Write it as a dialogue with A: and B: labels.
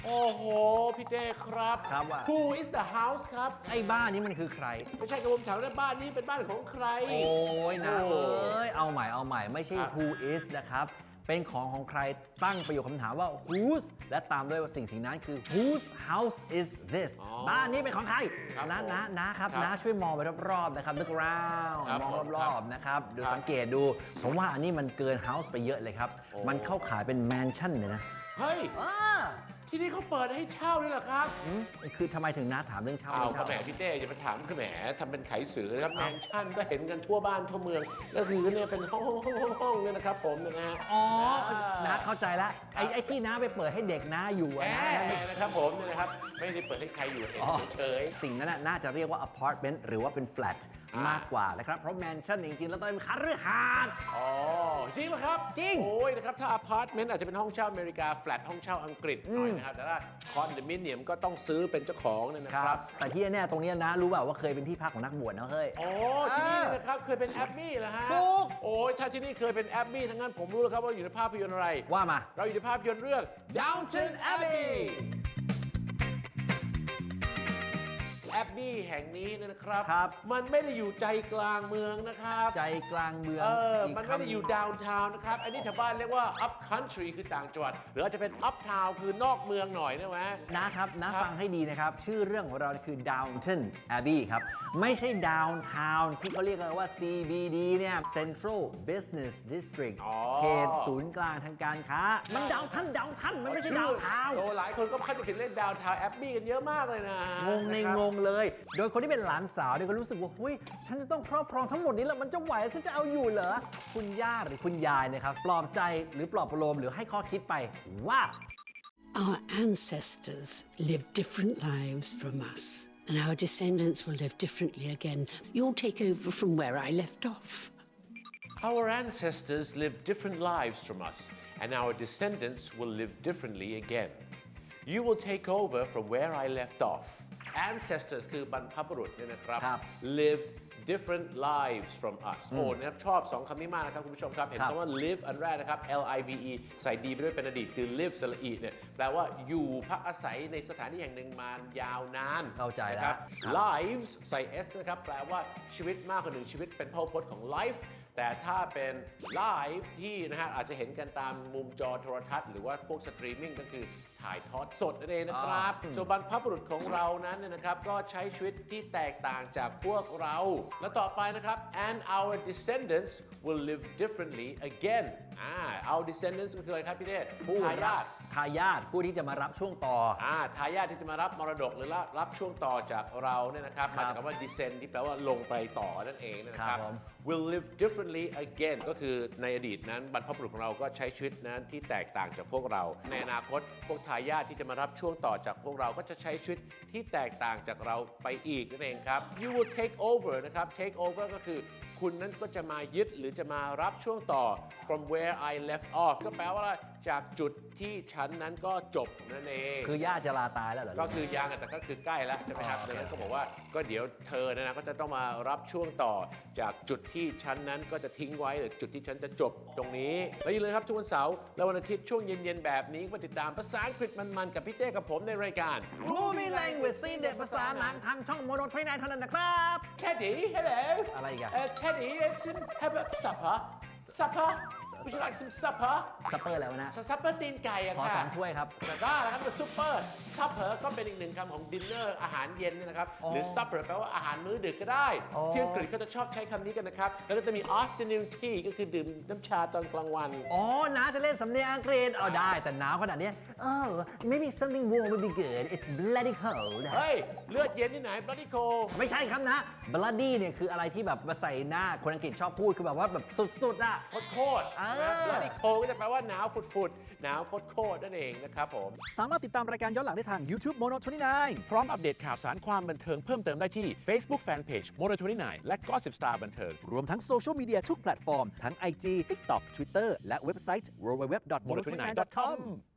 A: โอ้โหพี่เต้ครับ
B: ครับว่า
A: Who is the house ครับ
B: ไอ้บ้านนี้มันคือใคร
A: ไม่ใช่กระผมถามว่าบ้านนี้เป็นบ้านของใคร
B: โอ้ยนะ
A: โอ้
B: เอาใหม่ไม่ใช่
A: ครับ
B: who is นะครับเป็นของใครตั้งประโยคคำถามว่า whose และตามด้วยว่าสิ่งนั้นคือ whose house is this บ้านนี้เป็นของใคร
A: ครับ
B: นะครับ
A: ครับ
B: นะช่วยมองไปรอบๆนะครับ look around
A: ครับ
B: มอง
A: ผม
B: รอบๆนะครับดู
A: ครับ
B: สังเกตดูผมว่าอันนี้มันเกิน house ไปเยอะเลยครับ
A: โอ้
B: มันเข้าขายเป็น mansion เลยนะ
A: เฮ้ย ที่นี่เขาเปิดให้เช่าด้วยเหรอครับ
B: คือทำไมถึงน้าถามเรื่องเช่า
A: เอา
B: ไม่
A: ก็
B: เช่า
A: แหมพี่เต้อย่ามาถามก็แหมทำเป็นไขสือนะครับแมนชั่นก็เห็นกันทั่วบ้านทั่วเมืองก็คือเนี่ยเป็นห้องเนี่ยนะครับผมนะฮะ
B: อ๋อน้าเข้าใจแล้วไอ้ที่น้าไปเปิดให้เด็กน้าอยู่
A: แห
B: อะ
A: ม
B: นะ
A: นะครับผมเนี่ยนะครับไม่ได้เปิดให้ใครอยู่เห็นเฉย
B: สิ่งนั้นน่าจะเรียกว่า apartment หรือว่าเป็น flat
A: อ่าม
B: มากกว่านะครับ เพราะ mansion จริงๆ แล้วต้องเป็นคฤหาสน์
A: อ๋อจริงเหรอครับ
B: จริง
A: โอ้ยนะครับถ้าอพาร์ตเมนต์อาจจะเป็นห้องเช่าอเมริกาแฟลตห้องเช่าอังกฤษหน่อยนะครับแต่ถ้าคอนโดมิเนียมก็ต้องซื้อเป็นเจ้าของเนี่ยนะครับ
B: แต่ที่แน่ๆตรงเนี้ยนะรู้เปล่าว่าเคยเป็นที่พักของนักบวชนะเฮ้ย
A: โอ้ที่นี่เนี่ยนะครับเคยเป็นแอปบี้เหรอฮะ
B: ถูก
A: โอ้ยถ้าที่นี่เคยเป็นแอปบี้ทั้งนั้นผมรู้แล้วครับว่าอยู่ในภาพยนตร์อะไร
B: ว่ามา
A: เราอยู่ในภาพยนตร์เรื่อง Downton Abbey แอปบี้แห่งนี้เนี่ยนะครับ
B: ครับ
A: มันไม่ได้อยู่ใจกลางเมืองนะครับ
B: ใจกลางเมือง
A: มันไม่ได้อยู่ดาวน์ทาวน์นะครับ อันนี้แถวบ้านเรียกว่า up country คือต่างจังหวัด หรืออาจจะเป็น up town คือนอกเมืองหน่อยนะแหม
B: นะครับนะครับ ฟังให้ดีนะครับ ชื่อเรื่องของเราคือ Downton Abbey ครับ ไม่ใช่ downtown ที่เขาเรียกกันว่า CBD เนี่ย Central Business District
A: อ๋อ
B: เขตศูนย์กลางทางการค้า มันดาวท่านมันไม่ใช่ downtown
A: โอ้หลายคนก็เข้าใจผิดเล่นดาวน์ทาวน์แอปบี้กันเยอะมากเลยนะ
B: งงใน
A: นะครับ
B: งงเลย โดยคนที่เป็นหลานสาวเนี่ยก็รู้สึกว่าเฮ้ยฉันจะต้องครอบครองทั้งหมดนี้แล้วมันจะไหวฉันจะเอาอยู่เหรอ คุณย่าหรือคุณยายนะครับ ปลอบใจหรือปลอบประโลมหรือให้ข้อคิดไปว่า
C: Our ancestors lived different lives from us, and our descendants will live differently again. You'll take over from where I left off.
A: Our ancestors lived different lives from us, and our descendants will live differently again. You will take over from where I left off. Ancestors คือบรรพบุรุษเนี่ยนะครับ
B: ครับ
A: lived different lives from us โอ้นะครับชอบ 2 คำนี้มากนะครับคุณผู้ชมครับ เห็น
B: ครับ
A: คำว่า live อันแรกนะครับ live ใส่ดีไปด้วยเป็นอดีตคือ live สระอีเนี่ยแปลว่าอยู่พักอาศัยในสถานที่แห่งหนึ่งมายาวนาน
B: เข้าใจแล้ว
A: นะครับ
B: ครับ
A: lives ใส่ s นะครับแปลว่าชีวิตมากกว่าหนึ่งชีวิตเป็นพหุพจน์ของ life แต่ถ้าเป็น live ที่นะฮะอาจจะเห็นกันตามมุมจอโทรทัศน์หรือว่าพวกสตรีมมิ่งก็คือถ่ายทอดสดนั่นเองนะครับส่วนบรรพบุรุษของเรานั้นเนยนะครับก็ใช้ชีวิตที่แตกต่างจากพวกเรา และต่อไปนะครับ and our descendants will live differently again our descendants ก็คืออะไรครับพี่เดชทายาท
B: ทายาทผู้ที่จะมารับช่วงต่อ
A: ทายาทที่จะมารับมรดกหรือรับช่วงต่อจากเราเนี่ยนะครับ
B: ครับ
A: มาจากคำว่า descend ที่แปลว่าลงไปต่อนั่นเองนะค
B: ครั
A: รับบ
B: ผม
A: will live differently again ก็คือในอดีตนั้นบรรพบุรุษของเราก็ใช้ชีวิตนั้นที่แตกต่างจากพวกเรา ในอนาคตพวกทายาทที่จะมารับช่วงต่อจากพวกเราก็จะใช้ชีวิตที่แตกต่างจากเราไปอีกนั่นเองครับ you will take over นะครับ take over ก็คือคุณนั้นก็จะมายึดหรือจะมารับช่วงต่อ from where I left off ก็แปลว่าจากจุดที่ฉันนั้นก็จบนั่นเอง
B: คือย่าจะลาตายแล้วเหรอ
A: ก็คือยังแต่ก็คือใกล้แล้วใช่ไหมครับ
B: โอเค
A: ดังนั้นก็บอกว่าก็เดี๋ยวเธอนะก็จะต้องมารับช่วงต่อจากจุดที่ฉันนั้นก็จะทิ้งไว้หรือจุดที่ฉันจะจบตรงนี้แล้วอย่าลืมครับทุกวันเสาร์และวันอาทิตย์ช่วงเย็นๆแบบนี้มาติดตามภาษาอังกฤษมันๆกับพี่เต้กับผมในรายการ
B: Movie Language ซีนเด็ดภาษาหนังทางช่องโมโน29เท่านั้นนะครับ
A: Teddy hello
B: อะไรอีกอะ
A: Teddy how about supper Would you like some supper
B: ซัปเปอร์แล้วนะ
A: ซัปเปอร์ตีนไก่อะ
B: ขอ
A: ค่ะ
B: 2 ถ้วยครับ
A: แต่ก็นะครับเป็นซุปเปอร์ซัพเพอร์ก็เป็นอีกหนึ่งคำของดินเนอร์อาหารเย็นเนี่ยนะครับ หรือซัพเพอร์แปลว่าอาหารมื้อดึกก็ได้ ที่อังกฤษเขาจะชอบใช้คำนี้กันนะครับ แล้วก็จะมี afternoon tea ก็คือดื่มน้ำชาตอนกลางวัน
B: อ๋อน้าจะเล่นสำเนียงอังกฤษเอาได้แต่หนาวขนาดเนี้ย Oh maybe something warm would be good it's bloody cold
A: เฮ้ย เลือดเย็นที่ไหน bloody cold
B: ไม่ใช่ครับนะ bloody เนี่ยคืออะไรที่แบบมาใส่หน้าคนอังกฤษชอบพูดคือแบบว่าแบบสุดๆอ่ะ
A: โคตรๆนะ bloody cold ก็จะแปลว่าหนาวฝุดๆหนาวโคตรๆนั่นเองนะครับผม
D: สามารถติดตามรายการย้อนหลังได้ทาง YouTube Mono 29
E: พร้อมอัปเดตข่าวสารความบันเทิงเพิ่มเติมได้ที่ Facebook Fanpage Mono29 และ Gossip Star บันเทิง
D: รวมทั้งโซเชียลมีเดียทุกแพลตฟอร์ม ทั้ง IG TikTok Twitter และเว็บไซต์ www.mono29.com